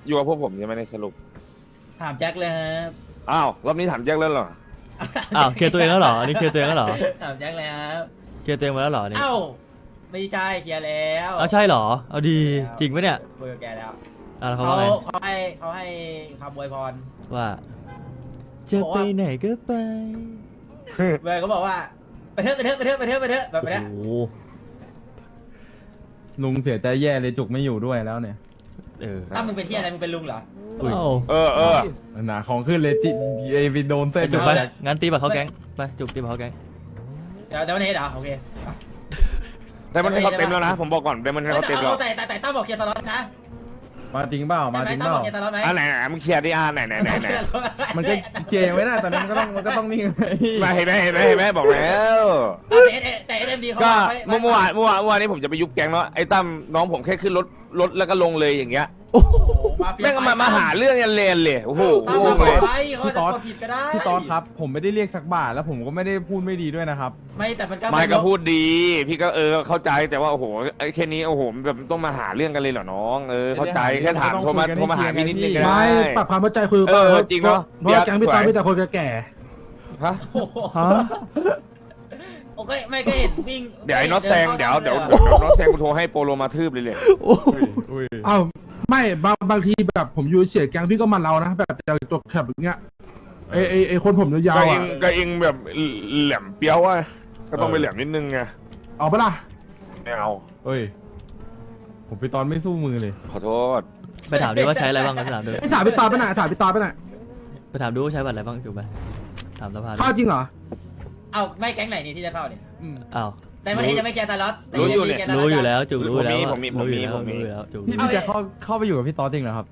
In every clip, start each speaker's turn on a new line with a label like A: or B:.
A: อยู่กับพวกผมใช่ไหมในสรุป
B: ถามแจ็คเลยครับ
A: อ้าวรอบนี้ถามแจ็คแล้วเหรอ
C: อ้าวเคลียร์ตัวเองแล้วเหรออันนี้เคลียร์ตัวเองแล้วเหรอ
B: ถามแจ็คเลยครับ
C: เคลียร์ตัวเองมาแล้วเหรอนี่
B: เอ้าไม่ใช่เคลียร์แล้ว
C: เอาใช่เหรอเอาดีจริงปะเนี่ย
B: คุยกับแกแล้ว
C: แล้วเขา
B: เขา
C: ว่าไง
B: เขาให้คำอวยพร
C: ว่าจะไปไหนก็ไป
B: เวลก็บอกว่าไปเถอะแบบ
C: โอ้
B: เนี้ย
C: โห
D: ลุงเสียใจแย่เลยจุกไม่อยู่ด้วยแล้วเนี่ย
C: เออ
B: ถ้ามึงเป็นที่อะไรมึงเป็นลุงเหรอ
C: อุ้ย
A: เออ
D: หนาของขึ้นเลยจิไอไปโดนเส้น
C: จุกไป
D: แล้ว
C: งั้นตีบัตรเขาแก๊งไปจุกตีบัตรเขาแก๊ง
B: เดี๋ยววันนี้เหรอโอเค
A: ได้มันให้เขาเต็มแล้วนะ ผมบอกก่อนได้มันให้เขาเต็มแล้ว
B: แต่ตั้มบอกเคลียร์ตลอดนะ
D: มาจริงเปล่ามาจริง
B: ตั้
D: เป
B: มบอ
D: ล่าก
B: เคลียร์ตลอดไหม
A: อ่ะไหนมึงเคลียร์ดิไหน
D: มันก็เคลียร์ยังไม่ได้ตอนนั้นมันก็ต้องนิ่งไง
A: มาเห็นไหมบอกแล้ว
B: แต่เอ็มดีเขา
A: ก็เมื่อวานนี้ผมจะไปยุบแก๊งเนาะไอ้ตั้มน้องผมแค่ขึ้นรถแล้วก็ลงเลยอย่างเงี้ยแม่งมาหาเรื่องยันเลนเลยโอ้โห
B: ตั้ม
A: ง
B: มาง
A: เลย
B: ไปเขาจะกดผิดก็ได้
D: พี่ตอนครับ ผมไม่ได้เรียกสักบาทแล้วผมก็ไม่ได้พูดไม่ดีด้วยนะครับ
B: ไม่แต่มันก็
A: ไม่ก็พูดดี พี่ก็เข้าใจแต่ว่าโอ้โหไอ้แค่นี้โอ้โหแบบต้องมาหาเรื่องกันเลยเหรอน้องเข้าใจแค่ถามโทรมาหาพี่นิดนึงก็
E: ไม่
A: ได้
E: ปรับความเข้าใจคุยกัน
A: จริงเนาะ
E: เพราะว่าแก๊งพี่ตอนมีแต่คนแก่
A: ฮะ
C: ฮะ
B: โอเคไม่ก็เห็นวิ่ง
A: เดี๋ยวไอ้น็อตแซงเดี๋ยวน็อตแซงกูโทรให้โปโลมาทืบเลย
D: อุ้ย
E: ๆอ้าวไม่บางทีแบบผมอยู่เฉียดแก๊งพี่ก็มันเรานะแบบอย่างตัวแคบอย่างเงี้ยไอคนผมยาวๆอ่ะ
A: ก็เองแบบแหลมเปี้ยวอ่ะก็ต้องไปแหลมนิดนึงไง
E: เอาปะล่ะ
A: ไม่เอา
D: เฮ้ยผมพี่ตอนไม่สู้มือเลย
A: ขอโทษ
C: ไปถามดิว่าใช้อะไรบ้างไปถามดู
E: ไอสาวพี่ตอนไปไหนสาวพี่ตอนไปไหน
C: ไปถามดูว่าใช้บัตรอะไรบ้างจุกไปถามสภา
E: เข้าจริงเหรอ
B: เอาไม่แก๊งไหนนี่ที่จะเข้าเนี่ย
C: อ้าว
B: แต่วันนี้จะไม่เคลียร์ตลอด
C: รู้อยู่แล้วจุกรู้อยู่แล้ว
A: ผมมี
C: รู้อยู่แล้วจุก
D: พี่จะเข้าไปอยู่กับพี่ตอนจริงเหรอครับ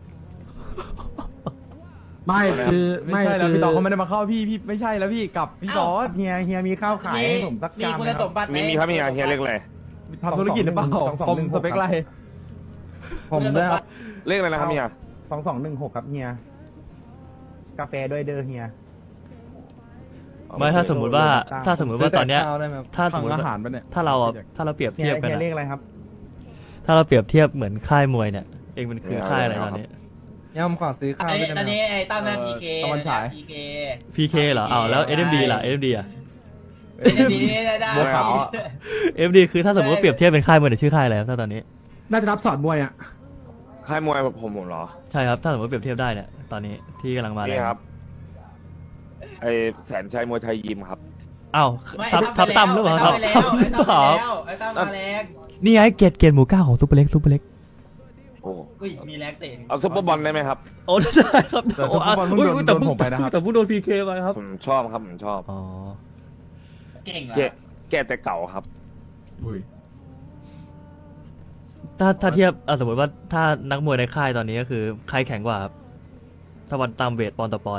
E: ไม่คือ
D: ไม่ใช่แล้วพี่ตอนเขาไม่ได้มาเข้าพี่ไม่ใช่แล้วพี่กับพี่ตอน
F: เฮียมีข้าวขายให้ผมสัก
B: มี
F: จาน
B: คุณ
F: ไหมค
B: ส
F: รับ
B: มบัติไหม
A: มีครับมีเฮียเรียกอะไร
D: ทำธุรกิจหรือเปล่าผมสเปคไร
F: ผมด้วยครับ
A: เรียกอะไรนะครับเฮีย
F: 2216ครับเฮียกาแฟด้วยเด้อเฮีย
C: ไม่ถ้าสมมุติว่าตอนเนี้ย ถ้าสมมติ
D: อา
C: ว่า
D: หารปะเนี่ย
C: ถ้าเราเปรียบ
F: เฮี
C: เที
F: ย
C: ยบกัน
F: เฮีย
C: อะ
F: เลขอะไรครับ
C: ถ้าเราเปรียบเทียบเหมือนค่ายมวยเนี่ยเองมันคือค่ายอะไรตอนนี้
D: ย่ำขอซื้อข้าวด้วย
B: ตอนนี้ไอ้ตั้มนะพีเค
D: ตะวันฉาย
B: พีเค
C: PK เหรออ้าวแล้ว SMD ล่ะ SMD อ่ะ
B: ได้
D: บัวขาว
C: SMD คือถ้าสมมติว่าเปรียบเทียบเป็นค่ายมวยเนี่ยชื่อค่ายอะไรครับถ้าตอนนี้
E: น่าจะรับสอนมวยอ่ะ
A: ค่ายมวยผมเหรอ
C: ใช่ครับถ้าสมมติเปรียบเทียบได้เนี่ยตอนนี้ที่กำลังมาเลย
A: นี่ครับไอแสนชัยมวยไทยยิมครับ
C: อ้าวทับตั้มหรือเปล่าครับ
B: ไอ้ตั้มมาแล้วไอ้ตั้มมาแรง
C: นี่ไงเกตหมูก้าของซุปเปอร์เล็ก
A: โอ้
B: อุ้ยมีแรงเตะ
A: เอาซุปเปอร์บอลได้ไหมครับ
C: โอ้ใช่ครับ
D: แต่ซุปเปอร์บอลเพิ่งโดนผมไปนะครับ
C: แต่ผู้โดน PK ไปครับ
A: ผมชอบครับผมชอบ
C: อ๋อ
B: เก่งเหรอ
A: แกแต่เก่าครับ
D: อุ้ย
C: ถ้าเทียบสมมติว่าถ้านักมวยในค่ายตอนนี้ก็คือใครแข็งกว่าครับถ้าวันตามเวทปอนต่อปอน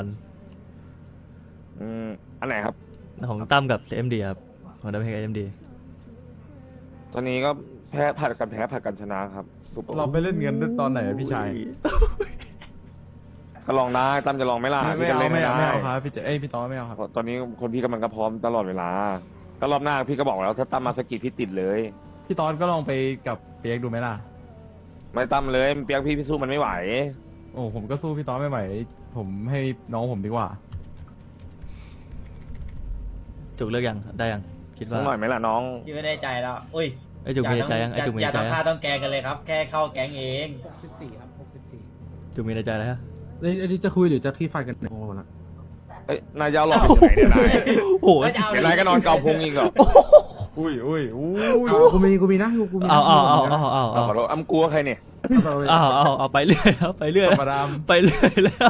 A: อันไหนครับ
C: ของตั้มกับ MD ครับของดับเบิล MD
A: ตอนนี้ก็ผัดกันชนะครับซุปเปอร์
D: เราไปเล่นเงินตอนไหนอะพี่ชาย
A: ก็ลองได้ตั้มจะลองไหมล่ะ
D: ไม่
A: พี่ก็
D: เอา
A: เล่น
D: ไม่
A: ไม่
D: เอา
A: ได้
D: ไม่เอาครับพี่พี่ตอนไม่เอาครับ
A: ตอนนี้คนพี่กำลังก็พร้อมตลอดเวลา ก็รอบหน้าพี่ก็บอกแล้วถ้าตั้มมาสกิดพี่ติดเลย
D: พี่ตอนก็ลองไปกับเปียกดูไหมล่ะ
A: ไม่ตั้มเลยเปียกพี่สู้มันไม่ไหว
D: โอ้ผมก็สู้พี่ตอนไม่ไหวผมให้น้องผมดีกว่า
C: จุกเลือกยังได้ยังคิด
A: สั
C: ว่าก
A: หน่อยไหมล่ะน้อง
B: ที่ไม่ได้ใจแล้วอุ้ย
C: ไอจุกมีในใจยังไอจุกมี
B: อ
C: ใน
B: ย่า
C: ใจ
B: ทำ
C: ยัง
B: ท่าต้องแกงกันเลยครับ แค่เข้าแก๊งเอง
C: จุกมีในใจแล้วฮะ
E: อันนี้จะคุยหรือจะขี้ไฟกันโอ้โหละ
A: เอ้ยนายจะเอาหลอกไปถึงไหนเนี่ยนาย
C: โอ้โห
A: เดี๋ยวนายก็นอนเกาพุงอีกเหรอ
D: อุ้ย
E: กูมีนะกูมี
C: เอา
A: ขอโทษอ้ำกลัวใครเนี่ย
C: เอาไปเรื่อยแล้วไปเรื่อย
D: ธรรมดา
C: ไปเรื่อยแล้ว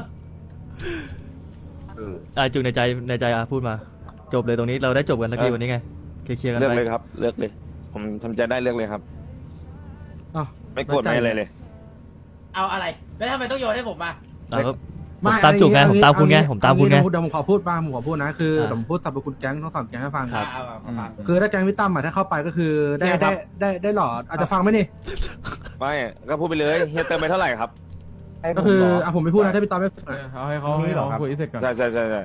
C: จุกในใจพูดมา จบเลยตรงนี้เราได้จบกันสักทีวันนี้ไงเคลียร์กัน
A: เลือก
C: ไป
A: เลยครับ เลือกเลย ผมทำใจได้เลือกเลยครับ
E: อ้าว
A: ไม่โกรธไม่อะไรเลย
B: เอาอะไรแล้วทำไมต้องโยนให้ผมมา
C: ผมตามจุกไงผมตามคุณไงผมตามคุณไง
E: เดี๋ยวผมขอพูดบ้างผมขอพูดนะคือผมพูดสรรพคุณแก๊งทั้งสามแก๊งให้ฟัง คือถ้าแก๊งพี่ตั้มถ้าเข้าไปก็คือได้หลอดอาจจะฟังไหมนี่
A: ไม่ก็พูดไปเลยเฮียเติมไปเท่าไหร่ครับ
E: ก็คือผมไม่พูดนะถ้าพี่ตั้มไม่
D: เอาให้เขาคุยเสร็จก่อน
A: ใช่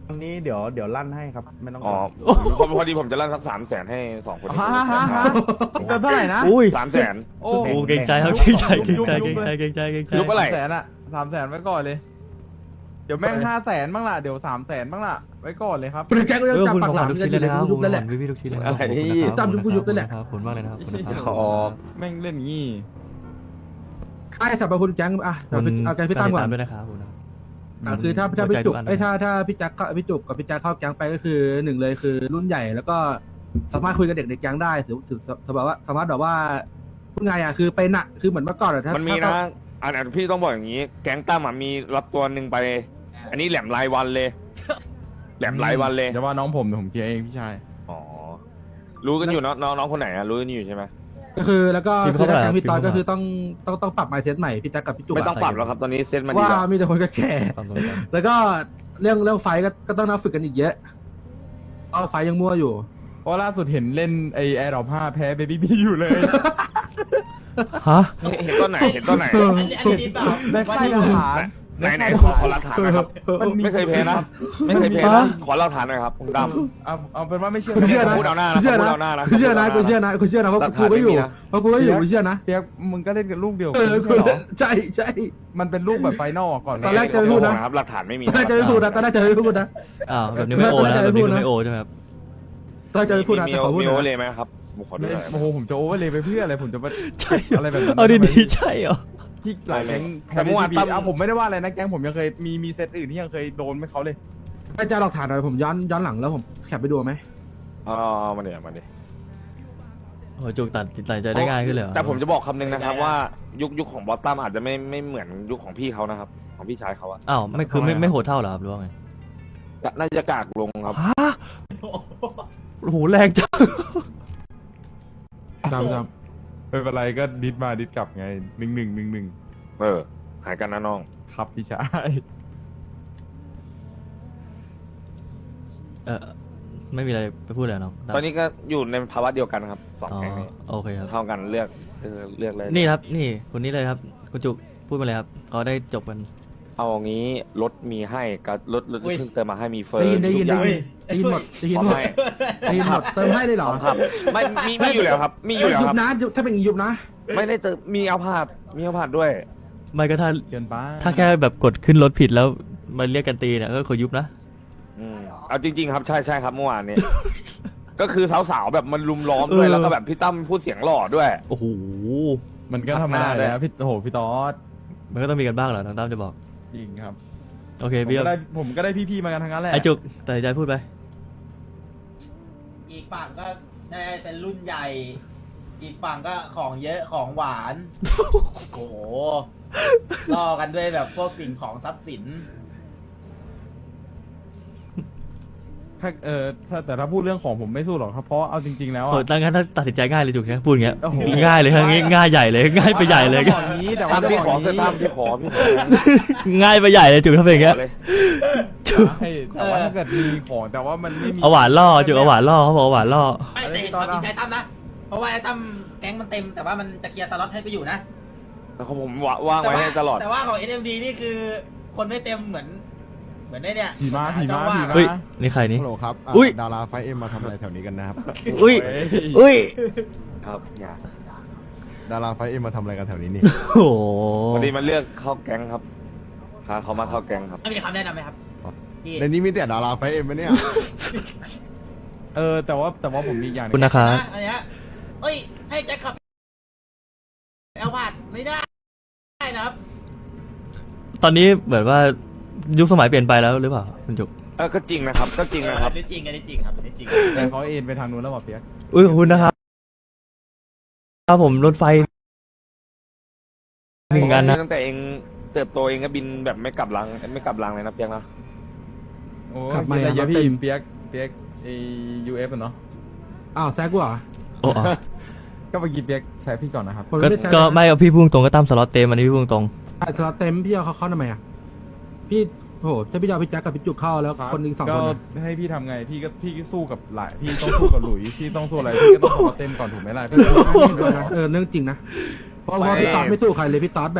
F: วันนี้เดี๋ยวลั่นให้ครับ ไม่ต้อง
A: อ๋อพอดีผมจะลั่นสัก300,000ให้2คนนี้
F: เกินเท่าไหร่นะ
C: อุ้ย
A: 300,000
C: โอ้เกรงใจครับเกรงใจเกรงใจเกรงใจเกรงใจเกรงใจ
A: ยุบอะไร
D: 300,000ไว้ก่อนเลย เดี๋ยวแม่ง500,000บ้างล่ะเดี๋ยว300,000บ้างล่ะไว้ก่อนเลยครับ
E: คุณแก๊งก็ยังจับ
C: คุณ
E: ปากหลาม
C: ทุก
E: กั
C: ชิ้
E: น
C: น
E: อ
C: เลย
E: ยู่
C: นะครับ
E: ยุบแล้วแหละ
C: พี่ทุกชิ้นเลย
A: อะไรนี่
E: จำยุบกูยุบเลยแหละ
C: ขอบคุณมากเลยนะครับขอบคุณครับ
A: อ๋อ
D: แม่งเล่นงี้
E: ไอ้สรรพคุณแก๊งอ่ะเอาแก๊งพี่ตั้มก่อน
C: ด้วยนะครับคุณ
E: คือถ้าพี่จุก
C: หัวใจทุกอัน
E: ถ้าพี่แจ็คพี่จุกกับพี่แจ็คเข้าแก๊งไปก็คือหนึ่งเลยคือรุ่นใหญ่แล้วก็สามารถคุยกับเด็กในแก๊งได้ถือแบบว่าสามารถแบบว่าพูดไงอ่ะคือไปหนักคือเหมือนเมื่อก่อนอะถ้า
A: มันมีนะอันพี่ต้องบอกอย่างนี้ แก๊งตั้มมีรับตัวหนึ่งไป อันนี้แหลมรายวันเลย แหลมรายวันเลย
D: อย่าว่าน้องผมเดี๋ยวผมเคลียร์เองพี่ชาย
A: อ๋อ รู้กันอยู่เนอะน้องคนไหนรู้กันอยู่ใช่ไหม
E: ก็คือแล้วก็คือถ้าแก๊งพี่ตอนก็คือต้องปรับไมเซ็ตใหม่พี่แจ็คกับพี่จุก
A: ไม่ต้องปรับแล้วครับตอนนี้เซ็ตมาดี
E: ว่า
A: แล้ว
E: มีแต่คนแก่แล้วก็เรื่องไฟก็ต้องนับฝึกกันอีกเยอะก็ไฟยังมั่วอยู่
D: เพราะล่าสุดเห็นเล่นไอแอร์ดรอป5แพ้เบบี้บีอยู่เลย
C: ฮะ
A: เห็นตอนไหนเห็นตอนไหน
B: อันนี้ดีเปล่า
D: ในค่ายทหาร
A: ไหนขอหลักฐานนะครับ ไม่เคยแพ้นะ ไม่เคยแพ้นะ ขอหลักฐานหน่อยครับคุณดำ
D: เอาเป็นว่าไม่เชื่อ
E: กูเชื่อนะ
A: พูดเอาหน้านะ
E: กูเชื่อ
A: พูด
E: นะ
A: เอาหน้านะ
E: กูเชื่อนะกูเชื่อนะกูเชื่อนะเพราะกูก็อยู่เพราะกูก็อยู่กูเชื่อนะ
D: เปียกมึงก็เล่นกับลูกเดียว
E: เอ
D: กัน
E: อ
D: ไม่ใช่เหรอ
E: ใช่ใช่
D: มันเป็นลูกแบบไฟนอลก่อน
E: ตอนแรกจะไม่พูดนะ
A: ครับหลักฐานไม่มี
E: ตอนแรกจะไม่พูดนะตอนแรกจะไม่พูดนะ
C: อ้าวแบบนี้ไม่โอนะแบบนี้ไม่โอใช่ไหมครับ
E: ตอนแรกจะไม่พูดนะ
A: มี
E: แต่ขอพูด
A: โอ
E: นะ
A: เลยไหมครับขอดู
D: ไม่
A: หน่อย
D: โอ้โหผมจะโอเวอร์เลยไปเพื่ออะไรผมจะมา
C: ใช่
D: อะไรแบบนั้น
C: เอาดีๆใช่เหรอ
D: ที่หลายแก๊งแพ้
A: แต่เมื่อวาน
D: บี
A: ตั้ม
D: เอาผมไม่ได้ว่าอะไรนะแก๊งผมยังเคยมีเซตอื่นที่ยังเคยโดนไม่เขาเลย
E: ถ้าจะหลักฐานหน่อยผมย้อนหลังแล้วผมแคปไปดูไหม
A: อ๋อมาเดี๋ยวมาเดี๋ยว
C: โอ้จุกตัดใจได้ง่ายขึ้นเลยเหรอ
A: แต่ผมจะบอกคำนึงนะครับว่ายุคของบอสตัมอาจจะไม่เหมือนยุคของพี่เขานะครับ ของพี่ชายเขาอะ
C: อ้าวไม่คือไม่โหดเท่าเหรอครับหรือว่าไง
A: น่าจะกากลงครับ
C: ฮะโอ้โหแรงจัง
E: จำ
D: ไม่เป็นไรก็ดิดมาดิดกลับไง1-1
A: หายกันนะน้อง
D: ครับพี่ชาย
C: ไม่มีอะไรไปพูดเลยน้อง
A: ตอนนี้ก็อยู่ในภาวะเดียวกันครับสอง
C: อ๋อ
A: แก๊งนี้
C: โอเคครับ
A: เท่ากันเลือกเลย
C: นี่ครับนี่คนนี้เลยครับคุณจุกพูดมาเลยครับเขาได้จบกัน
A: เอางี้รถมีให้กับรถเพิ่งเติมมาให้มีเฟิร์
E: ได้ยิน
A: ทุกอย่าง
E: ได้ยินหมดได้ยินหมด
A: ให้
E: ได้ยินหมดเติมให้เลยเหรอ
A: ครับไม่มีอยู่แล้วครับ มีอยู่แล้ว
E: ยุ
A: ครับ บ
E: นะถ้าเป็นยุบนะ
A: ไม่ได้เติมมีเอาผาดด้วย
C: ไม่ก็ถ้า
D: เกินไป
C: ถ้าแค่แบบกดขึ้นรถผิดแล้วมาเรียกกันตีเนี่ยก็ขอยุบนะ
A: เอาจริงๆครับใช่ครับเมื่อวานนี้ ก็คือสาวๆแบบมันลุมล้อมด้วยแล้วก็แบบพี่ตั้มพูดเสียงหล่อด้วย
C: โอ้โห
D: มันก็ธรรมดาแล้วพี่โอ้โหพี่ตอส
C: มันก็ต้องมีกันบ้างเหรอน้องตั้มจะบอก
D: จริงครับ
C: โอเค
D: ผม
C: พี่
D: ก็ได้พี่ๆมากันทั้งนั้นแหละ
C: ไอจุกตัดสินใจพูดไป
B: อีกฝั่งก็ได้เป็นรุ่นใหญ่ อีกฝั่งก็ของเยอะของหวาน โอ้โหล่อกันด้วยแบบพวกสิ่งของทรัพย์สิน
D: แต่ถ้าพูดเรื่องของผมไม่สู้หรอกครับเพราะเอาจริง ๆ แล้ว
C: โอ้
D: อะ
C: ตั้งงั้นถ้าตัดสินใจง่ายเลยจุกนะพูดอย่างเงี้ย
D: โอ้โห
C: ง่ายเลยครับง่ายใหญ่เลยง่ายไปใหญ่เลย
D: แต่ว่าอย่างนี้แต่ว่า
A: ตั้มพี่ขอ
D: จะ
A: ตั้ม
D: บ
A: พี่
D: ก
A: ขอ
C: ง่ายไปใหญ่เลยจุกถ้าเป็นอย่างเงี้ย
A: เลย
C: จุก
D: ใช่แต่ว่าถ้าเกิดมีของแต่ว่ามันไม่มี
C: เอาหวานล่อจุกเอาหวานล่อเขาบอกเอาหวานล่อ
B: ไม่แต่เห็นความจริงใจตั้มนะ เพราะว่าไอ้ตั้มแก๊งมันเต็มแต่ว่ามันจะเคลียร์สล็อตให้ไปอยู่นะ
A: แต่ของผมว่างไว้ให้ตลอด
B: แต่ว่าของ NMD นี่คือคนไม่เต็มเหมือนได้เนี่ย
D: ผีม้า
C: เฮ้ยนี่ใครนี่
G: ฮัลโหลครับ
C: อุ๊ย
G: ดาราไฟเอ็มมาทำอะไรแถวนี้กันนะครับ
C: อุ้ย
D: เฮ้ย
C: อุ้ย
A: ครับอย่า
G: ดาราไฟเอ็มมาทำอะไรกันแถวนี้นี่
C: โอ้โห
A: พอดีมันเลือกเข้าแก๊งครับพาเขามาเข้าแก๊งครับ
B: มีคำแนะนำไหมครับที่
G: ในนี้มีแต่ดาราไฟเอ็มไหมเนี่ย
D: แต่ว่าผมมีอีกอย่างหนึ
C: คุณ
D: ง
C: นะครับ
B: อันเนี้ยเฮ้ย ให้แจ็คขับแอลพาดไม่ได้นะครับ
C: ตอนนี้เหมือนว่ายุคสมัยเปลี่ยนไปแล้วหรือเปล่าคุณจุก
A: ก็จริงนะครับก็จริงนะครับ
B: อันนี้จริงอันนี้จริงครับอันนี้จริง
D: แต่เขาเอ็นไปทางนู้นแล้วบอกเปียก
C: อุ้ยขอบคุณนะครับครับผมรถไฟหนึ่งกันนะ
A: ตั้งแต่เองเติบโตเองก็บินแบบไม่กลับรังเลยนะเพียงนะ
D: โอ้
E: ขับมา
D: กินอะไรเยอะ
E: ครับ
D: พี่
E: เต็ม
D: เปียกไอUF อะเนาะ
E: อ้าวแซกกูเหรอ
C: โอ้อ๋อ
D: ก็เมื่อกี้เปียกแซะพี่ก่อนนะครับ
E: ผม
C: ก็
E: ไม่ได้แซก
C: ก็ไม่เอาพี่พุ่งตรงก็ตามสล็อตเต็มอันนี้พี่พุ่งตรง
E: สล็อตเต็มพี่เอาเขาเข้าทำไมอ่ะพี่โหถ้าพี่จะเอาพี่แจ็คกับพี่จุกเข้าแล้วคนอีกสอง
D: ก็
E: คนอะ
D: ให้พี่ทำไงพี่ก็สู้กับหลายพี่ต้องสู้กับหลุยพี่ต้องสู้อะไรพี่ก็ต้องสมาเต็มก่อนถูกไหมล่ะพี่
E: เรื่องจริงนะเพราะว่าพี่ตอดไม่สู้ใครเลยพี่ตอดแบบ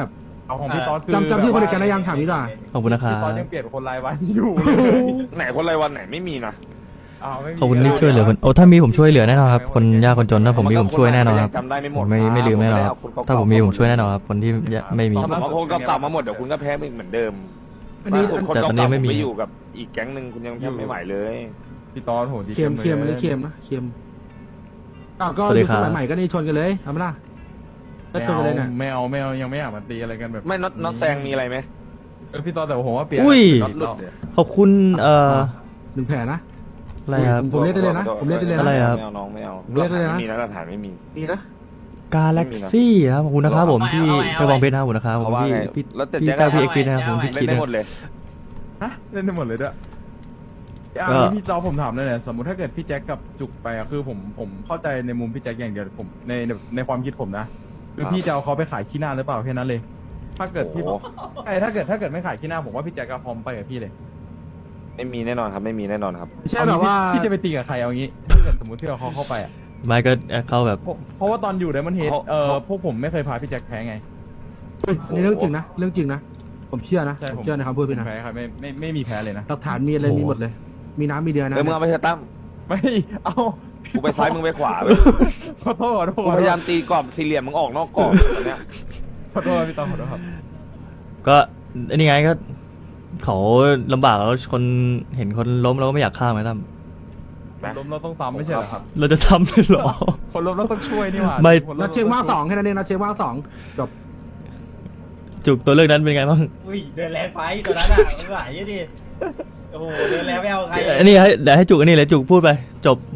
D: เอาของพี่ต๊อดคือ
E: จำชื่อคนในแก๊งได้ยังถามนี่ด่า
C: ขอบคุณนะครั
D: พี่
C: บ
D: ต๊อดยังเปลี่ยนคนรายวันอยู่เลย
A: ไหนคนรายวันไหนไม่มีนะ
D: ไม่มี
C: ขอบคุณที่ช่วยเหลือคนโอ้ถ้ามีผมช่วยเหลือแน่นอนครับคนยากคนจนถ้าผมมีผมช่วยแน่นอนครับ
A: จำได้ไม่หม
C: ผ
A: ด
C: มไม่ลืมแน่นอนครับถ้าผมมีผมช่วยแน่นอนครับคนที่ไม่มี
A: ถ้าผมเอาคนเก่าๆมาหมดเดี๋ยวคุณก็แพ้ไปเหมือนเดิม
E: อันนี้
A: ล่าสุดคน
C: แต่ตอนนี้
A: เก่าๆ
C: ไม่
A: ผม
C: มี
A: ไปอยู่กับอีกแก๊งหนึ่งคุณยังแทบไม่ไหวเลย
D: พี่ต๊อดโหดี
E: เค็ม
D: ลย
E: เค็มอันนี้เค็มนะเค็มก็
C: สวัสดี
E: อยู่
C: ครับ
E: สมัยใหม่ก็นี่ชนกันเลยทำไมล่ะก็ชนกันเลยน่ะ
D: ไม่เอายังไม่อยากมาตีอะไรกันแบบ
A: ไม่น็อตแซงมีอะไรไหม
D: พี่ต๊อดแต่ผมว่าเปลี่ยน
C: อุ้ย
D: น็อตหลุดเนี่ย
C: ขอบคุณ
E: หนึ่งแผลนะ
C: อะไรครับ
E: ผมเล่นได้เลยนะผมเล่นได้เลย
C: อะไร
E: นะครับ
A: ไม่เอาน้องไม่เอา
E: เล่นได้เลยนะ
A: ไม่มีนะหลักฐานไม่มี
E: ดีนะ
C: กาแล็กซี่ครับขอบคุณนะครับผมพี่
B: เอาไว้
C: เจ้าบองเพชรนะครับขอบคุณนะครับผม
A: เขาว่า
C: พี่
A: ไง
C: พี่
A: แล้วแต่
C: พี่
A: แจ็ค
C: เจ้าพี่
A: เอา
C: เอ็กซ์พีนะครับผมพี่
A: เล่
C: คิ
A: น
C: ด
A: ได้
C: นะ
A: หมดเลย
D: ฮะเล่นได้หมดเลยด้วย
C: ก็
D: อันนี้พี่จอผมถามเลยเนี่ยสมมติถ้าเกิดพี่แจ็คกับจุกไปอะคือผมเข้าใจในมุมพี่แจ็คอย่างเดียวผมในความคิดผมนะคือพี่จะเอาเขาไปขายขี้หน้าหรือเปล่าแค่นั้นเลย ถ้าเกิดพี่
A: โอ้โห
D: ถ้าเกิดไม่ขายขี้หน้าผมว่าพี่แจ็คก็พร้อมไปกับพี่เลย
A: ไม่มีแน่นอนครับไม่มีแน่นอนครับ
E: ไม่ใช่แบบว่า
D: พี่จะไปตีกับใครเอางี้ถ้าเกิดสมมติที่เราเข้าไปอะ
C: ไม่ก็เข้าแบบ
D: เพราะว่าตอนอยู่ไดมอนด์เฮด
A: เขา
D: พวกผมไม่เคยพาพี่แจ็คแพ้ไง
E: อันนี้เรื่องจริงนะเรื่องจริงนะผมเชื่อนะ
D: ใช่
E: ผมเชื่อในคำพูดพี่นะ
D: แพ้ครับไม่มีแพ้เลยนะ
E: หลักฐานมีอะไรมีหมดเลย มีน้ำมีเดือนนะ
A: เออมึงเอาไปเถอะตั้ม
D: ไม่เอา
A: กูไปซ้ายมึงไปขวาไป
D: ขอโทษ
A: กูพยายามตีกรอบสี่เหลี่ยมมึงออกนอกกรอบตอนเนี้ย
D: ขอโทษพี่ตองขอโทษครับ
C: ก็อันนี้ไงก็เขาลำบากแล้วคนเห็นคนล้มเราก็ไม่อยากฆ่าไหมตั้ม
D: ล้มเราต้องตามไม่ใช่เหรอครับ
C: เราจะทำเลยเหรอ
D: คนล้มเราต้องช่วยนี่หว่า
C: ไม่
D: คนล้
E: นัดเชียงว่างสองแค่นั้นเองนัดเชียงว่างสองจบ
C: จุกตัวเลือกนั้นเป็นไงบ้าง
B: อุ้ยเดินแรงไปตัวนั้นอ่ะไม่ไหวดิโอ้โหเดินแรงไม่เอาใคร
C: อันนี้เดี๋ยวให้จุกอันนี้เลยจุกพูดไป จบ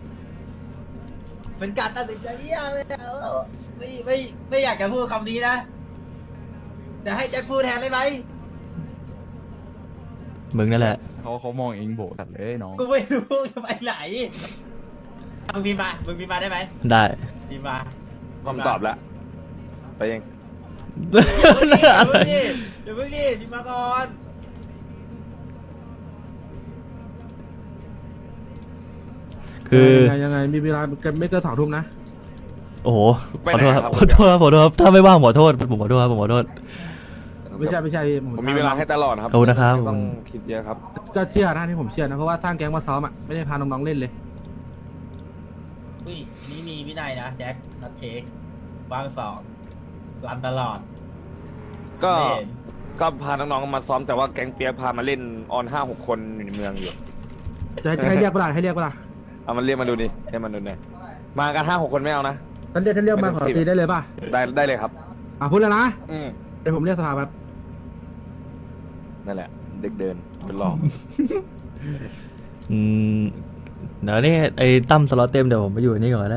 B: เป็นการตัดสินใจที่ยากเลยอะไม่อยากจะพูดคำนี้นะแต่ให้แจ็คพูดแทนได้ไหม
C: มึงนั่นแหละ
D: เขามองเองโบตัดเลยน้อง
B: กูไม่รู้จะไปไหนมึงพิมพ์มาได้ไหม
C: ได้
B: พิมพ์มา
A: คำตอบแล้วไปเอง
B: เดี๋ยวเพิ่งดิพิมพ์มาก่อน
C: คือ
E: ยังไงมีเวลาไม่เกิน2 ทุ่มนะ
C: โอ้โห
A: ไป
C: ขอ
A: ไหน
C: โทษครับ
A: ครับ
C: ขอโทษครับขอโทษครับถ้าไม่ว่างขอโทษผมขอโทษครับผมขอโทษ
E: ไม่ใช่พี่
A: ผมมีเวลาให้ตลอดครับ
C: ขอบคุณนะครับ
A: ไม่ต้องคิดเยอะครับ
E: ก็เชื่อนะที่ผมเชื่อนะเพราะว่าสร้างแก๊งมาซ้อมอ่ะไม่ได้พาน้องๆเล่นเลย
B: อุ้ยนี่มีวินัยนะแจ็คนัดเช็ควางสองรันตลอด
A: ก็
B: ไม่เห็น
A: ก็พาน้องๆมาซ้อมแต่ว่าแก๊งเปียกพามาเล่นออน5-6 คนอยู่ในเมืองอยู่
E: จะให้เรียกเปล่าให้เรียกเปล่า
A: เอามันเรียกมาดูดิให้มันดูหน่อยมากัน5-6 คนไม่เอานะ
E: ท่านเรียกมาขอตีได้เลยป่ะ
A: ได้เลยครับ
E: พูดแล้วนะ
A: อืม
E: เดี๋ยวผมเรียกสภาแบบ
A: นั่นแหละ เด็กเดินเป็นหลอก
C: อืมเดี๋ยวนี่ไอ้ตั้มสล็อตเต็มเดี๋ยวผมไปอยู่อันนี่ก่อนก็ได้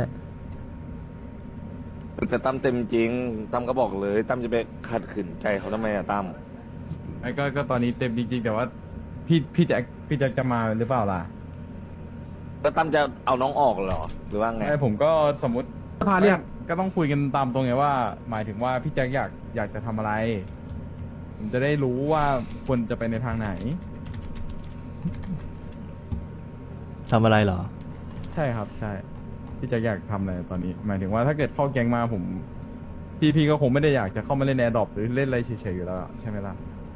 A: แต่ตั้มเต็มจริงตั้มก็บอกเลยตั้มจะไปขัดขืนใจเขาทำไมอะตั้ม
D: ไอ้ก็ตอนนี้เต็มจริงๆแต่ว่าพี่แจ็คจะมาหรือเปล่าล่ะ
A: แล้วตั้มจะเอาน้องออกเหรอหรือว่าไง
D: ไอ้ผมก็สมมติ
E: สภาเรียก
D: ก็ต้องคุยกันตามตรงไงว่า หมายถึงว่าพี่แจ็คอยากจะทำอะไร ผมจะได้รู้ว่าควรจะไปในทางไหน
C: ทำอะไรเหรอ
D: ใช่ครับใช่พี่แจ็คอยากทำอะไรตอนนี้ หมายถึงว่าถ้าเกิดเข้าแก๊งมาผมพี่ก็คงไม่ได้อยากจะเข้ามาเล่นแอร์ดรอปหรือเล่นอะไรเฉยๆอยู่แล้วอะใช่ไหมล่ะ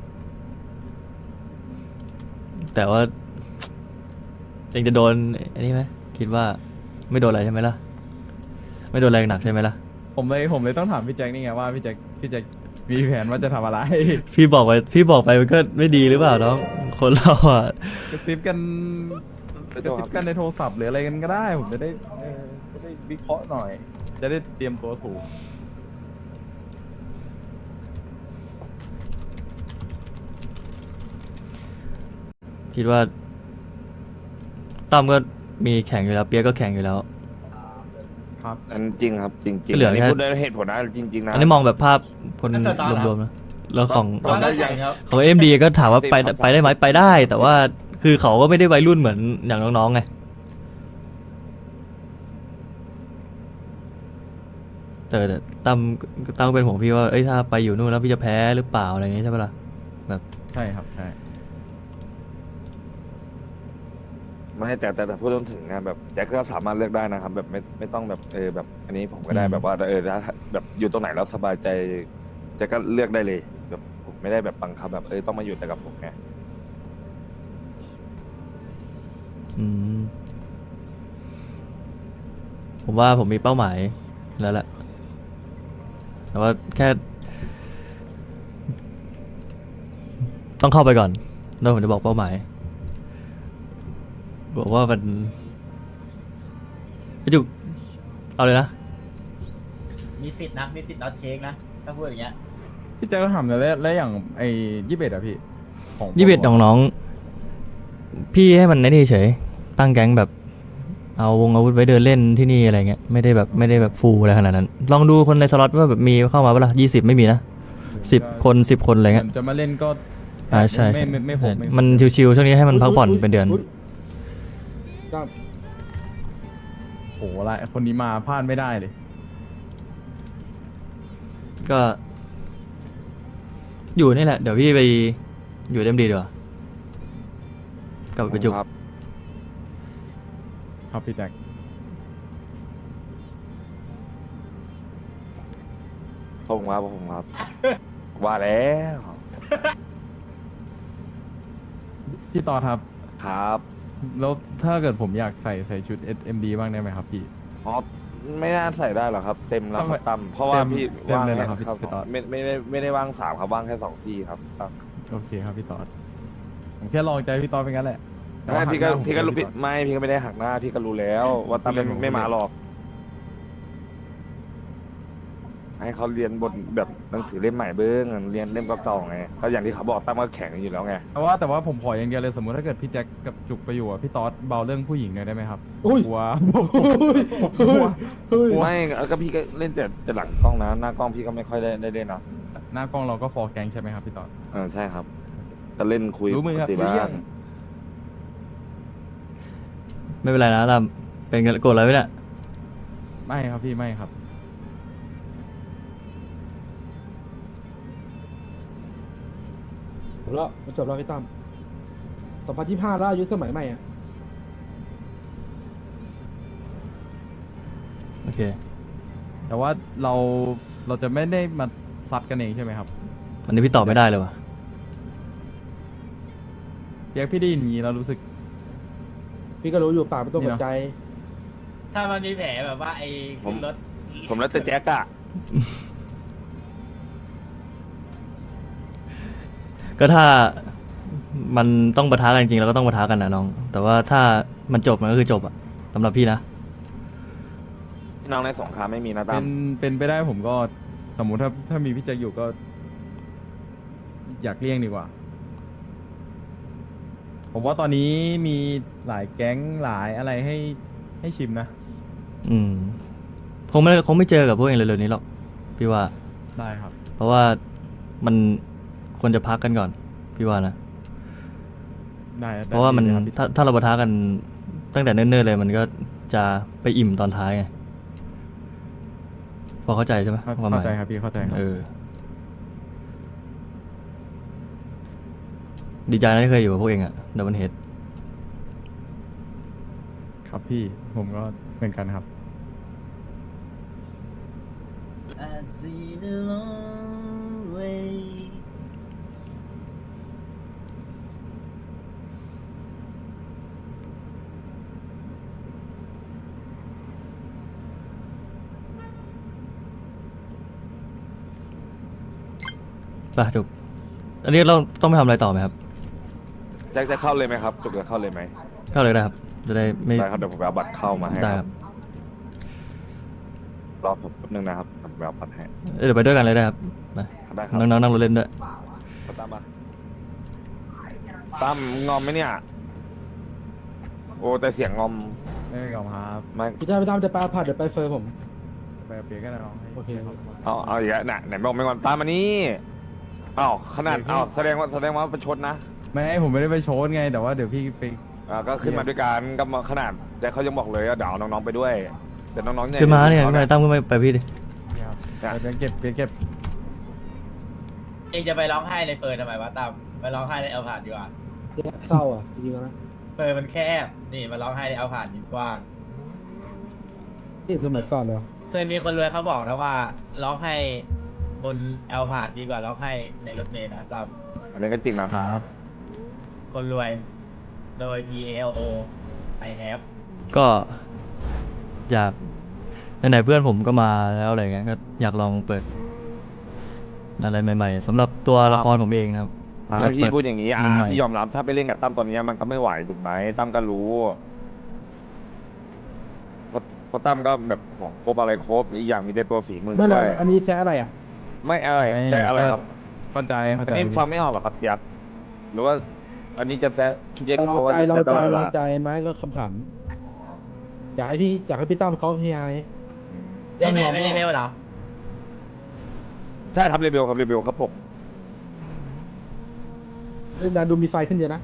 C: แต่ว่าเองจะโดนอันนี้ไหมคิดว่าไม่โดนอะไรใช่ไหมล่ะ ไม่โดนอะไรหนักใช่ไหมล่ะ
D: ผมเลยต้องถามพี่แจ็คนี่ไงว่าพี่แจ็คมีแผนว่าจะทำอะไร
C: พี่บอกไปมันก็ไม่ดีหรือเปล่าน้องคนเราอ่ะ
D: กระซิบกันในโทรศัพท์หรืออะไรกันก็ได้ ผมจะได้วิเคราะห์หน่อย จะได้เตรียมตัวถูก
C: คิดว่าตั้มก็มีแข่งอยู่แล้วเปียกก็แข่งอยู่แล้ว
D: ครับ
A: อันจริงครับจริงจริง
C: ก็เหลือ
A: อันนี้
C: แค่
A: พูดได้เหตุผลนะจริงๆนะ
C: อันนี้มองแบบภาพคนรวมๆนะแล้วของ
A: ตอนนั้นยัง
B: ครับ
C: ของเอ็มดีก็ถามว่าไปได้ไหมไปได้ แต่ว่าคือเขาก็ไม่ได้วัยรุ่นเหมือนอย่างน้องๆไงแต่ตั้มก็เป็นห่วงพี่ว่าเอ้ยถ้าไปอยู่นู่นแล้วพี่จะแพ้หรือเปล่าอะไรอย่างเงี้ยใช่ปะล่ะแบบ
D: ใช่ครับใช่
A: ไม่แต่พูดถึงนะแบบแจ็คก็สามารถเลือกได้นะครับ แบบไม่ต้องแบบแบบอันนี้ผมก็ได้แบบว่าถ้าแบบอยู่ตรงไหนแล้วสบายใจแจ็คก็เลือกได้เลยแบบผมไม่ได้แบบบังคับแบบต้องมาอยู่แต่กับผมไง
C: อืมผมว่าผมมีเป้าหมายแล้วแหละแต่ว่าแค่ ต้องเข้าไปก่อนแล้วผมจะบอกเป้าหมายบอกว่ามันไอ้จุกเอาเลยนะ
B: มีสิทธิ์นะมีสิทธิ์น็อตเช็คนะถ้าพูดอย่างเงี้ย
D: พี่แจ็คก็ถามเลยแล้วอย่างไอ้21อะพี่ของ
C: 21น้องๆพี่ให้มันในนี่เฉยตั้งแก๊งแบบเอาวงอาวุธไว้เดินเล่นที่นี่อะไรเงี้ยไม่ได้แบบฟูลอะไรขนาดนั้นลองดูคนในสล็อตว่าแบบมีเข้ามาเปล่า20ไม่มีนะ10 คนอะไรเงี้ย
D: จะมาเล่นก็
C: ใช่
D: ไม่ผมไ
C: มันชิวๆช่วงนี้ให้มันพักผ่อนเป็นเดือน
E: ตั้ม
D: โหอะไรคนนี้มาพลาดไม่ได้เลย
C: ก็อยู่นี่แหละเดี๋ยวพี่ไปอยู่เต็มดีดีกว่ากับกระจุก
A: ครับ
D: ครับพี่แจ็ค
A: ผมครับ ว่าแล้ว
D: พี่ต่อครับ
A: ครับ
D: แล้วถ้าเกิดผมอยากใส่ชุด SMD บ้างได้ไหมครับพี่
A: อ๋อไม่น่าใส่ได้หรอกครับ เต็มแล้ว
D: ทำไม
A: ครับตั้มเพราะว่าพี่
D: เต็ม
A: ว่าง
D: เลยเหรอ
A: แค่
D: ครับพี่
A: ครับ
D: พี่ต๊อด
A: ไม่ได้ว่าง3ครับว่างแค่2ที่ครับตั้ม
D: โอเคครับพี่ต่อผมแค่ลองใจพี่ต่อเป็นงั้นแหละแต่
A: ไม่
D: ว่า
A: พี่ก็
D: หัหน้าผม
A: พี่ก็รู้
D: พี่
A: พี่
D: ต่อ
A: ไม่พี่ก็ไม่ได้หักหน้าพี่ก็รู้แล้วว่าตั้ม
D: พี่เล่นผม
A: ไม่มา
D: เล่น
A: หรอก ให้เขาเรียนบทแบบหนังสือเล่มใหม่เบิ้งเรียนเล่มเก่าๆไงก็อย่างที่เขาบอกตั้มก็แข็งอยู่แล้วไง
D: แต่ว่าผมขออย่างเดียวเลยสมมติถ้าเกิดพี่แจ็คกับจุกไปอยู่อะพี่ต๊อดเบาเรื่องผู้หญิงหน่อยได้ไหมครับ
E: อุ้ย
D: กลัว
E: เฮ้ยเฮ้ย
A: ไม่ก็พี่ก็เล่นแต่หลังกล้องนะหน้ากล้องพี่ก็ไม่ค่อยได้เล่นนะ
D: หน้ากล้องเราก็ฟอร์แกงใช่ไหมครับพี่ต๊อด
A: ใช่ครับก็เล่นคุย
D: รู้มือ
A: ป
D: ค
A: ก
D: รับ
A: ติบ้า
D: เลี่ย
A: ง
D: ง
C: ไม่เป็นไรนะตามเป็นโกรธอะไรไหมเนี่ย
D: ไม่ครับพี่ไม่ครับ
E: จบแล้วพี่ตั้ม2025แล้วอายุสมัยใหม่อ่ะ
C: โอเค
D: แต่ว่าเราจะไม่ได้มาซัดกันเองใช่ไหมครับ
C: อันนี้พี่ตอบไม่ได้เลยว่ะ
D: เรียกพี่ได้ยินอย่างนี้เรารู้สึก
E: พี่ก็รู้อยู่ปากไม่ต้อง
D: นี่
E: ส
D: เน
E: น
D: อะ
E: ใจ
B: ถ้ามันมีแผลแบบว่าไอ้ขึ้นรถ
A: ผมแล้วแต่แจ็คอะ
C: ก็ถ้ามันต้องปะทะกันจริงๆเราก็ต้องปะทะกันนะน้อง แต่ว่าถ้ามันจบมันก็คือจบอะสำหรับพี่นะ
A: พี่น้องในสงครามไม่มีนะตั้
D: เป็นไปได้ผมก็สมมุติถ้ามีพี่แจ็คอยู่ก็ อยากเลี่ยงดีกว่า ผมว่าตอนนี้มีหลายแก๊งหลายอะไรให้ชิมนะ
C: อืมคงไม่เจอกับพวกเองเร็วๆนี้หรอกพี่ว่า
D: ได้ครับ
C: เพราะว่ามันควรจะพักกันก่อน พี่ว่านะ
D: ได้
C: เพราะว่ามัน
D: ได้เลยครับ
C: ถ้าเราปะทะกันตั้งแต่เนิ่นๆเลย มันก็จะไปอิ่มตอนท้ายไงพอเข้าใจใช่ไหมความหมา
D: เข้าย ใจครับพี่เข้าใจครับ
C: ดีใจนะที่เคยอยู่กับพวกเองอะดับเบิลเฮด
D: ครับพี่ผมก็เหมือนกันครับ
B: I see the long way
C: ป่ะจุก อันนี้เราต้องไปทำอะไรต่อไหมครับ
A: แจ็คจะเข้าเลยไหมครับจุกจะเข้าเลยไหม
C: เข้าเลยได้ครับ จะได้ไม่
A: ได้ครับเดี๋ยวผมไปเอาบัตรเข้ามาให้
C: ได้
A: ค
C: ค
A: รั
C: รั
A: บบ รอผมแป๊บนึงนะครับผมไปเอาบัตรให้
C: เดี๋ยวไปด้วยกันเลยได้ครับไป
A: ได้ครับ
C: น้องๆนั่งรถเล่นด้วย
A: ตามมาตั้มงอมไหมเนี่ย โอ้แต่เสียงงอม
D: ไม่เป็นไรครับ
A: ไม่
E: พี่ตั้มจะไปเอาผัดเดี๋ยวไปเฟิร์มผม
D: ไปเปลี่ยนกันนะน้องให้
E: โอเค
D: ครับ
A: เอาอีกแล้วน่ะไหนบอกไม่งอนตามมานี่อ้าวขนาดอ้าวแสดงว่าประชดนะ
D: ไม่ผมไม่ได้ไปโชว์ไง แต่ว่าเดี๋ยวพี่ไป
A: ก็ขึ้นมาด้วยกันก็มาขนาดแจ็คเขายังบอกเลยว่าเดี๋ยวเอาน้องๆไปด้วยแต่น้องๆเนี่ย
C: ขึ้นมาเนี่ย
A: ขา
C: ขึ้นมาตั้มขึ้นมาไปพี่ดิ
D: ครับ
A: เนี่ย
D: ไปเก็บ
B: เองจะไปร้องไห้ในเฟิร์นทำไมวะตั้มไปร้องไห้ในเอาผ่านดีกว่า
E: เศร้าอ่ะจริงๆแล้วนะ
B: เฟิร์นมันแคบนี่มาร้องไห้ในเอาผ่านดีกว้าง
E: นี่สมัยก่อนเลย
B: เคยมีคนรวยเขาบอกนะว่าร้องไห้บนแอลพาดดีกว่าล็อกให้ในรถเมล์นะครับ
A: อันนี้ก็จริงนะครับ
B: คนรวยโดย PALO I have
C: ก็อยากไหนๆเพื่อนผมก็มาแล้วอะไรเงี้ยก็อยากลองเปิดอะไรใหม่ๆสำหรับตัวละครผมเองนะครับ
A: แล้วพี่พูดอย่างนี้อ่ะ
C: ใหม่
A: พี่ยอมรับถ้าไปเล่นกับตั้มตอนนี้มันก็ไม่ไหวถูกไหมตั้มก็รู้เพราะตั้มก็แบบของครบอะไรครบอีกอย่างมีได้ตัวฝีมือ
F: ไม่
A: ด้
F: เล
A: วย
F: ยอันนี้แซะอะไรอ่ะ
A: ไม่อะไรแต่อะไรครับ
D: เข้าใจเข้า
A: อั
D: ใจ
A: นนี้ฟังไม่ออกหรอครับยักษ์หรือว่า อันนี้จะแซะเจ๊ก็บอกว่า
F: เรา
A: จะ
F: ใจ
A: ตลอดเว
F: เรา
A: ลา
F: ใจไหมก็ขำๆอยากให้พี่ตั้มเขาพี่ไอ้
B: เล่นไม่ได้เมลเหรอ
A: ใช่ครับเรเบลครับผม
F: เล่นดานดูมีไฟขึ้นเยอะนะ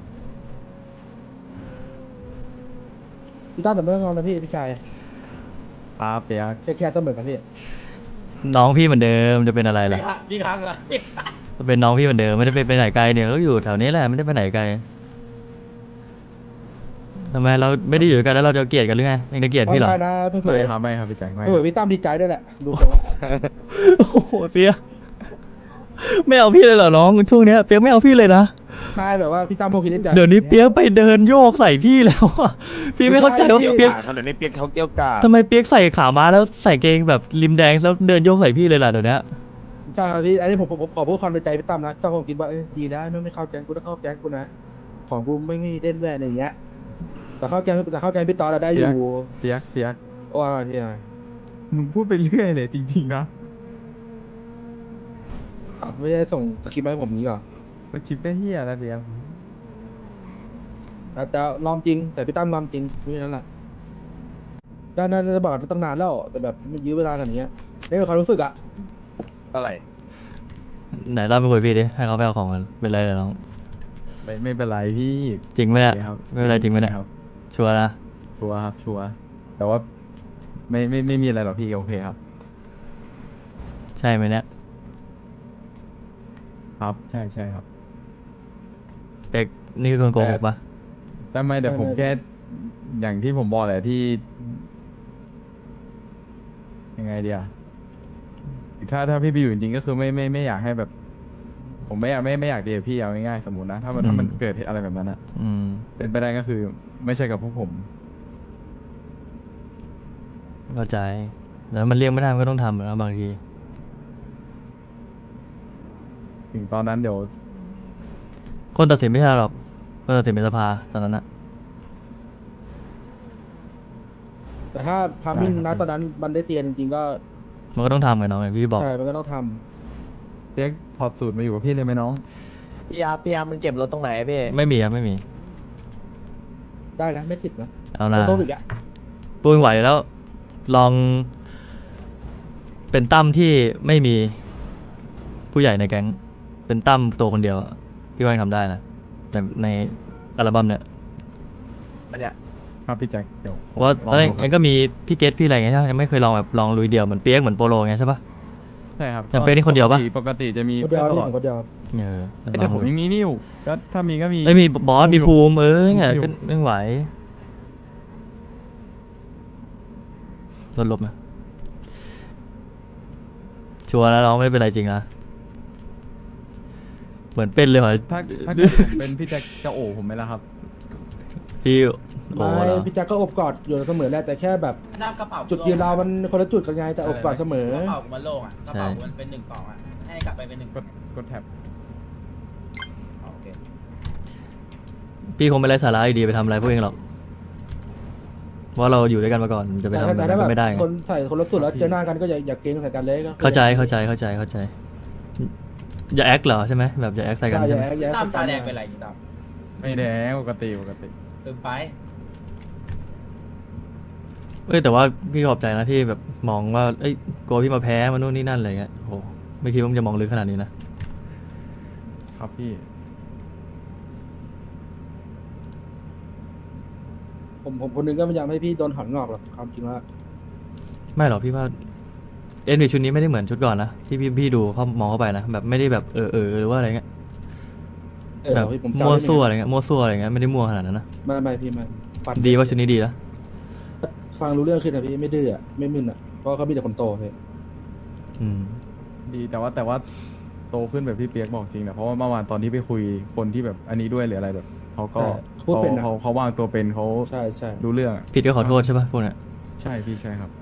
F: พี่ตั้มแต่เมื่อก่อนนะพี่ชาย
D: ครับเปียก
F: แค่เสมอกันพี่
C: น้องพี่เหมือนเดิมจะเป็นอะไรล่ะ
B: พี่ค้างเหรอ
C: เป็นน้องพี่เหมือนเดิมไม่ได้ไปไหนไกลเนี่ยก็อยู่แถวนี้แหละไม่ได้ไปไหนไกลทำไมเราไม่ได้อยู่ด้วยกันแล้วเราจะเกลียดกันหรือไงยังจะเกลียดพี่เหรอ
F: ได้นะเพื่
D: ไม่
F: อน
D: ครับไม่ครับพี่แจ็คไม่
F: เพื่อนพี่ตั้มดีใจด้วยแหละดูเขา
C: โอ้โหเปียกไม่เอาพี่เลยเหรอน้องช่วงเนี้ยเปียกไม่เอาพี่เลยนะ
F: ใช่แบบว่าพี่ตั้มพวกคิดใจ
C: เดี๋ยวนี้เปียกไปเดินโยกใส่พี่แล้วอะพี่ไม่เข้าใจว่าเปียก
A: เดี๋ยวนี้เปียกเขาเกี่ยวกาด
C: ทำไมเปียกใส่ขาม้าแล้วใส่เกงแบบริมแดงแล้วเดินโยกใส่พี่เลยล่ะเดี๋ยวนี้
F: ใช่ครับพี่อันนี้ผมขอพูดความในใจพี่ตั้มนะถ้าผมคิดว่าดีแล้วไม่เข้าแก๊งกูต้องเข้าแก๊งกูนะของกูไม่มีเล่นแว่นอะไรอย่างเงี้ยแต่เข้าแก๊งพี่ตอนเราได้อยู่
D: เปียก
F: ว่าที่ไหน
D: มึงพูดไปเรื่อยเลยจริงๆนะ
F: ไม่ได้ส่งสคริปต์มาให้ผมนี้ก่อน
D: ก็คิดได้เฮียแล้วเปียก
F: แต่ลองจริงแต่พี่ตั้มลองจริงนี่นั่นแหละด้านนั้นจะบอกตั้งนานแล้วแต่แบบมันยื้อเวลาขนาดนี้นี่เป็นความรู้สึกอะ
A: อะไร
C: ไหนเล่าไปคุยพี่ดิให้เขาไปเอาของกันเป็นไรเลยน้อง
D: ไม่เป็นไรพี่
C: จริงไหมเนี่ย
D: โอเคครับ
C: ไม่เป็นไรจริงไหมเนี่ย
D: ครับ
C: ชัวร์นะ
D: ชัวร์ครับชัวร์แต่ว่าไม่มีอะไรหรอกพี่โอเคครับ
C: ใช่ไหมเนี่ย
D: ครับใช่ครับ
C: เป๊กนี่คือคนโกหกปะ
D: แต่ไม่แต่ผมแค่อย่างที่ผมบอกแหละที่ ยังไงเดียถ้าพี่ไปอยู่จริงๆก็คือไม่อยากให้แบบ ผมไม่อยากเดียพี่เอาง่ายๆสมมตินะถ้ามันเกิดเหตุอะไรแบบนั้นอะ
C: อืม
D: เป็นไปได้ก็คือ ไม่ใช่กับพวกผม
C: เข้าใจแล้วมันเลี่ยงไม่ได้มันก็ต้องทำนะบางที
D: ถึงตอนนั้นเดี๋ยว
C: คนตัดสินไม่ใช่หรอกคนตัดสินเป็นสภาตอนนั้นนะ
F: แต่ถ้าพามินนะตอนนั้นมันได้เตียนจริงๆก็
C: มันก็ต้องทำไงน้องอย่างที่พี่บอก
F: ใช่มันก็ต้องทำ
D: เรียกถอดสูตรมาอยู่กับพี่เลยไหมน้อง
H: พี่อาร์มันเก็บรถตรงไหนอะพี่
C: ไม่มีครับไม่มี
F: ได้นะไม่ติดนะ
C: เอานะ
F: โต๊ะอีกอะ
C: ปุ้ยไหวแล้ว ลอง เป็นตั้มที่ไม่มีผู้ใหญ่ในแก๊งเป็นตั้มตัวคนเดียวอะพี่ว่ายังทำได้นะแต่ในอัลบั้มเนี่ย
H: มันเนี่ย
D: ครับพี่แจ็คเดี๋ยว
C: เพราะว่าตอนแรก
D: ลงดู
C: เองก็มีพี่เกตพี่อะไรเงี้ยใช่ไหมยังไม่เคยลองแบบลองลุยเดียวเหมือนเปียกเหมือนโปโลเงี้ยใช่ปะ
D: ใช่ครับ
C: จำเป็นนี่คนเดียวปะ
D: ปกติจะมี
F: คนเดียว
D: ต
F: นี่
D: ลอด
F: ผมคนเดียว
C: เออ
D: แต่ผมยังมีนิ่วก็ถ้ามีก็มี
C: ไม่มีบอสมีภูมิเนี่ย
D: ภูมิอยู่
C: ก็ไม่ไหวลดลบนะชัวร์แล้วน้องไม่เป็นไรจริงนะเหมือนเป็นเลยเหรอ
D: ถ้าเกิดผมเป็นพี่แจ็คจะโอบผมไหมล่ะครับ
C: พี่โอ้
F: ไม่
C: เหรอ
F: พี่แจ็คก็อบกอดอยู่เสมอแหละแต่แค่แบบ
B: น้ำกระเป๋า
F: จุดยืนเรามันคนละจุดกันไงแต่อบกอดเสมอ
B: กระเป๋ามันโล่งอ่ะกระเป๋ามันเป็น1 2อ่ะให้กลับไปเป็น1
D: กดแท็บ
B: โอเค
C: พี่คงไม่ไร้สาระอยู่ดีไปทำอะไรพวกเองหรอกเพราะเราอยู่ด้วยกันมาก่อนจะไปทำอะไร
F: แต่ถ้าแบ
C: ก็
F: บ
C: ไม่ได้ไง
F: คนใส่คนละสุดแล้วเจอหน้ากันก็อย่าเกรงใส่กันเลยก็
C: เข้าใจอย่าแอคเหรอใช่ไหมแบบอย่าแอคใส่กัน
F: ใช่อ
C: ใช่
F: ย่า
C: ไหม
F: แอกอย่า
B: ตามตาแดง
F: ไป
B: เป็นไรนี่ตาม
D: ไม่แดงปกติ
B: ซึมไป
C: แต่ว่าพี่ขอบใจนะที่แบบมองว่าเอ้ยกลัวพี่มาแพ้มานู่นนี่นั่นอะไรเงี้ยโอ้ไม่คิดว่ามันจะมองลึกขนาดนี้นะครับ
D: พี่
F: ผมคนนึงก็พยายามให้พี่โดนถอนงอกหรอกความจริงว่า
C: ไม่หรอกพี่ว่าเอ็นวีชุดนี้ไม่ได้เหมือนชุดก่อนนะที่พี่ดูเขามองเข้าไปนะแบบไม่ได้แบบหรือว่าอะไรเงี้ยแบบ
F: พี่ผม
C: มั่วซั่วอะไรเงี้ยไม่ได้มั่วขนาดนั้นนะ
F: ไม่พี่มันปัด
C: ดีว่าชุดนี้ดีนะ
F: ฟังรู้เรื่องขึ้นนะพี่ไม่ดื้ออะไม่มึนอะเพราะเขามีแต่คนโตพี่
C: อืม
D: ดพี่แต่ว่าโตขึ้นแบบพี่เปียกบอกจริงนะเพราะว่าเมื่อวานตอนที่ไปคุยคนที่แบบอันนี้ด้วยหรืออะไรแบบเขาก็
F: พูดเป็นอะ
D: เขาวางตัวเป็นเขา
F: ใช่ใช่
D: รู้เรื่องอะ
C: ผิดก็ขอโทษใช่ปะพวกเนี้ย
D: ใช่พี่ใช่ครับ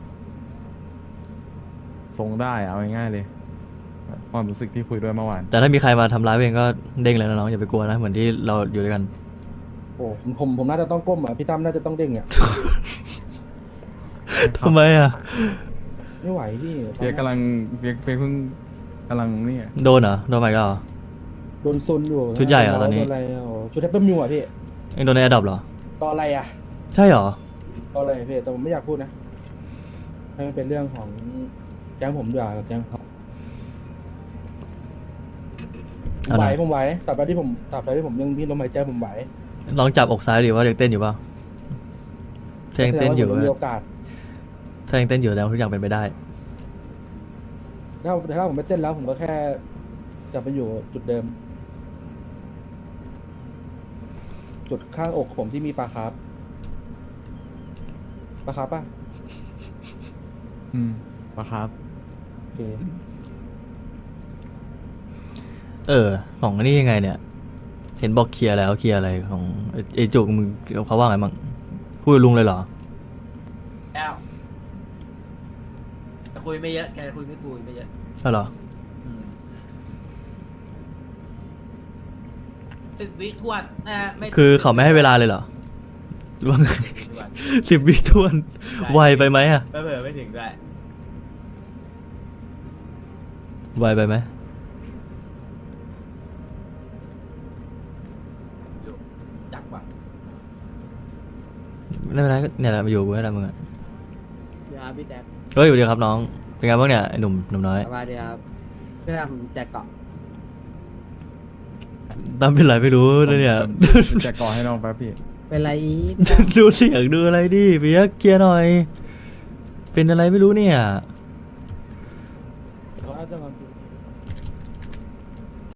D: ทรงได้เอาง่ายๆเลย ความรู้สึกที่คุยด้วยเมื่อวาน
C: แต่ถ้ามีใครมาทำร้ายเองก็เด้งเลยนะน้องอย่าไปกลัวนะเหมือนที่เราอยู่ด้วยกัน
F: โอ้ผมน่าจะต้องก้มอ่ะพี่ตั้มน่าจะต้องเด้งอ่ะ
C: ทำไมอ่ะ
F: ไม่ไหวพี่
D: เปียกกำลังเปียกเพิ่งกำลังนี่อะ
C: โดนเหรอโดนไปก็เหรอ
F: โดนซุนอยู่
C: ชุดใหญ่เหรอตอนนี้
F: โดอะไรอ่ะโอ้ชุดแทปเปิลมิวอ่ะพี่
C: เองโดนในแอดดอปเหรอ
F: ต่ออะไรอ่ะ
C: ใช่เหรอ
F: ต่ออะไรพี่แต่ผมไม่อยากพูดนะให้มันเป็นเรื่องของแก๊งผมดีกว่ากับแก๊งเขาผมไหวผมไหวตราบใดที่ผมยังพี่ลมหายใจผมไหว
C: ลองจับอกซ้ายดิว่ายังเต้นอยู่เปล่าถ้ายังเต้นอยู่
F: แสดงว่าผมมีโอกาส
C: ถ้ายังเต้นอยู่แล้วทุกอย่างเป็นไปได้
F: ถ้าผมไม่เต้นแล้วผมก็แค่จะไปอยู่จุดเดิม จุดข้างอกผมที่มีปลาคาร์ฟป่ะ
D: ปะครับ
F: โอเค
C: ของอันนี้ยังไงเนี่ย เห็นบอกเคลียร์แล้วเคลียร์อะไรของไอ้จุกมึงเขาว่าไงบ้างพูดกับลุงเลยเหรอ
B: แล้วแต่คุยไม่เยอะแกคุยไม่เยอะ
C: ใช่เหรอ
B: 10 วิทวนนะฮะไม่
C: คือเขาไม่ให้เวลาเลยเหรอหรือว่าไง 10 วิทวนไวไปไหมอ่ะ
B: เผลอๆไม่ถึงด้วย
C: ไวไปไหม
B: จักว่ะ
C: ไม่เป็นไรก็เนี่ยแหละมาอยู่กูให้ได้มึงอ่ะ
H: เดี๋ยวพี่แจ็ค
C: เฮ้ยสวัสดีครับน้องเป็นไงบ้างเนี่ยไอ้หนุ่มน้อย
H: สวัสดีครับพี่แจ็คผมแจ็คเกาะ
C: ตามเป็นไรไม่รู้นะเนี่ย
D: จะก่อให้น้องแป๊บพี่
H: เป็นไรอีก
C: ดูเสียงดูอะไรดิเปียกเคลียร์หน่อย เป็นอะไรไม่รู้เนี่ย